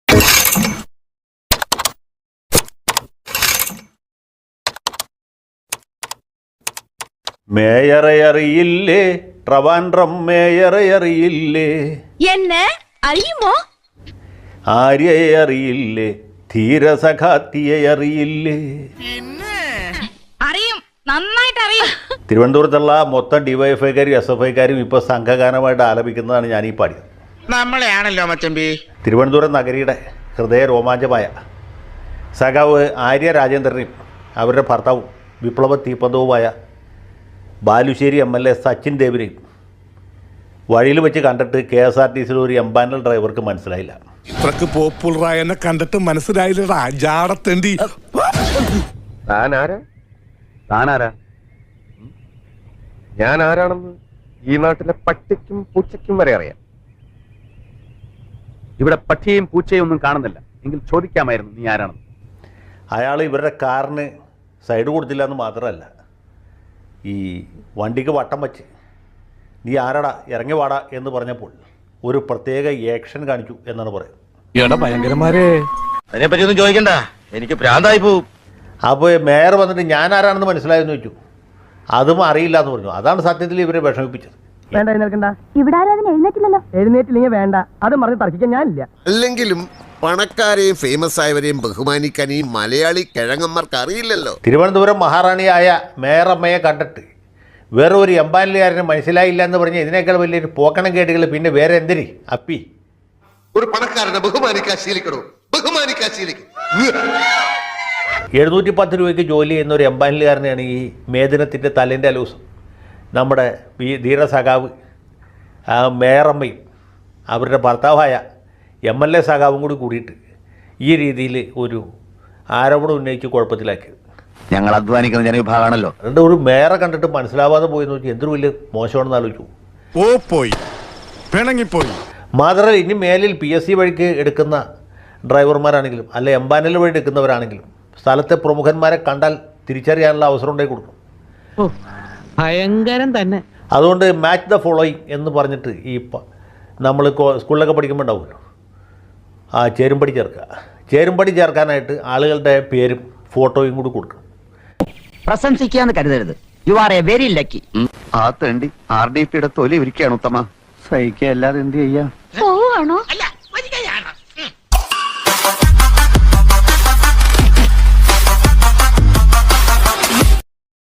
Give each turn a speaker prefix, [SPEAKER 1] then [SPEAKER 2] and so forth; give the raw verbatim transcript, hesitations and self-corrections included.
[SPEAKER 1] മേയറെ അറിയില്ലേ, ട്രിവാൻഡ്രം മേയറെ അറിയില്ലേ,
[SPEAKER 2] എന്നെ അറിയുമോ?
[SPEAKER 1] ആര്യയെ അറിയില്ലേ, ധീരസഖാത്തിയെ അറിയില്ലേ?
[SPEAKER 2] അറിയും, നന്നായിട്ട് അറിയും.
[SPEAKER 1] തിരുവനന്തപുരത്തുള്ള മൊത്തം ഡിവൈഎഫ്ഐക്കാരും എസ് എഫ് ഐക്കാരും ഇപ്പോൾ സംഘഗാനമായിട്ട് ആലപിക്കുന്നതാണ് ഞാൻ ഈ പാടിയത്.
[SPEAKER 3] നമ്മളെയാണല്ലോ മച്ചമ്പി.
[SPEAKER 1] തിരുവനന്തപുരം നഗരിയുടെ ഹൃദയ രോമാഞ്ചമായ സഖാവ് ആര്യ രാജേന്ദ്രനെയും അവരുടെ ഭർത്താവും വിപ്ലവ തീപ്പന്തവുമായ Balussery M L A Sachin ദേവിനെയും വഴിയിൽ വെച്ച് കണ്ടിട്ട് കെ എസ് ആർ ടി സിയിൽ ഒരു എംപാനൽ ഡ്രൈവർക്ക് മനസ്സിലായില്ല.
[SPEAKER 4] ഇത്രക്ക് പോപ്പുലറായ എന്നെ കണ്ടിട്ട് മനസ്സിലായില്ലടാ ജാടത്തേണ്ടി.
[SPEAKER 5] താനാരാ താനാരാ ഞാൻ ആരാണെന്ന് ഈ നാട്ടിലെ പട്ടിക്കും പൂച്ചയ്ക്കും വരെ അറിയാം.
[SPEAKER 6] ഇവിടെ പക്ഷിയും പൂച്ചയും ഒന്നും കാണുന്നില്ല, എങ്കിൽ ചോദിക്കാമായിരുന്നു നീ ആരാണെന്ന്.
[SPEAKER 1] അയാൾ ഇവരുടെ കാറിന് സൈഡ് കൊടുത്തില്ല എന്ന് മാത്രമല്ല, ഈ വണ്ടിക്ക് വട്ടം വച്ച് നീ ആരാടാ ഇറങ്ങി വാടാ എന്ന് പറഞ്ഞപ്പോൾ ഒരു പ്രത്യേക ആക്ഷൻ കാണിച്ചു എന്നാണ് പറയുന്നത്.
[SPEAKER 4] ഭയങ്കരന്മാരെ
[SPEAKER 3] അതിനെപ്പറ്റി ഒന്നും ചോദിക്കണ്ട, എനിക്ക് ഭ്രാന്തായി പോവും.
[SPEAKER 1] അപ്പോൾ മേയർ വന്നിട്ട് ഞാൻ ആരാണെന്ന് മനസ്സിലായെന്ന് വെച്ചു, അതും അറിയില്ല എന്ന് പറഞ്ഞു. അതാണ് സത്യത്തിൽ ഇവരെ വിഷമിപ്പിച്ചത്.
[SPEAKER 7] വേണ്ട എഴുന്നേൽക്കണ്ട, ഇവിടെ ആരും എഴുന്നേറ്റില്ലല്ലോ. എഴുന്നേറ്റില്ലെങ്കിൽ വേണ്ട, അത് പറഞ്ഞ് തർക്കിക്കാൻ ഞാനില്ല.
[SPEAKER 8] അല്ലെങ്കിലും പണക്കാരെയും ഫേമസ് ആയവരെയും ബഹുമാനിക്കാൻ ഈ മലയാളി കിഴങ്ങന്മാർക്ക് അറിയില്ലല്ലോ.
[SPEAKER 1] തിരുവനന്തപുരം മഹാറാണിയായ മേയറമ്മയെ കണ്ടിട്ട് വേറെ ഒരു എംപാനലുകാരന് മനസ്സിലായില്ല എന്ന് പറഞ്ഞ് ഇതിനേക്കാൾ വലിയൊരു പോക്കണം കേട്ടുകൾ പിന്നെ വേറെ എന്തിന് അപ്പി.
[SPEAKER 8] ഒരു പണക്കാരനെ ബഹുമാനിക്കാൻ ശീലിക്കണോ? ബഹുമാനിക്കാൻ ശീലിക്കും.
[SPEAKER 1] എഴുന്നൂറ്റി പത്ത് രൂപയ്ക്ക് ജോലി ചെയ്യുന്ന ഒരു എംപാനലുകാരനെയാണ് ഈ മേദിനത്തിൻ്റെ തലേൻ്റെ അലൂസം നമ്മുടെ ഈ ധീരസഖാവ് മേയറമ്മയും അവരുടെ ഭർത്താവായ എം എൽ എ സഖാവും കൂടി കൂടിയിട്ട് ഈ രീതിയിൽ ഒരു ആരോപണം ഉന്നയിച്ച് കുഴപ്പത്തിലാക്കിയത്.
[SPEAKER 6] ഞങ്ങൾ അധ്വാനിക്കുന്ന ജനവിഭാഗമാണല്ലോ.
[SPEAKER 1] അതുകൊണ്ട് ഒരു മേയറെ കണ്ടിട്ട് മനസ്സിലാവാതെ പോയെന്ന് വെച്ചാൽ എന്തൊരു വലിയ മോശമാണെന്ന് ആലോചിച്ചു.
[SPEAKER 4] ഓ പോയി പിണങ്ങിപ്പോയി.
[SPEAKER 1] മാത്രമല്ല ഇനി മേലിൽ പി എസ് സി വഴിക്ക് എടുക്കുന്ന ഡ്രൈവർമാരാണെങ്കിലും അല്ല എംപാനൽ വഴി എടുക്കുന്നവരാണെങ്കിലും സ്ഥലത്തെ പ്രമുഖന്മാരെ കണ്ടാൽ തിരിച്ചറിയാനുള്ള അവസരം ഉണ്ടായി കൊടുക്കും.
[SPEAKER 7] ഭയങ്കരം തന്നെ.
[SPEAKER 1] അതുകൊണ്ട് മാച്ച് ദ ഫോളോയിങ് എന്ന് പറഞ്ഞിട്ട് ഈ നമ്മൾ സ്കൂളിലൊക്കെ പഠിക്കുമ്പോൾ ഉണ്ടാവുമല്ലോ, ആ ചേരുംപടി ചേർക്കുക. ചേരുംപടി ചേർക്കാനായിട്ട് ആളുകളുടെ പേരും ഫോട്ടോയും കൂടി കൊടുക്കണം.
[SPEAKER 7] പ്രശംസിക്കാന്ന് കരുതരുത്. You are a very lucky.
[SPEAKER 6] ആ തേണ്ടി ആർ ഡി പിയുടെ തൊലി ഒരുക്കുകയാണ് ഉത്തമ. സഹിക്കുക അല്ലാതെ എന്ത് ചെയ്യാ?
[SPEAKER 2] പോവാണോ?
[SPEAKER 3] അല്ല,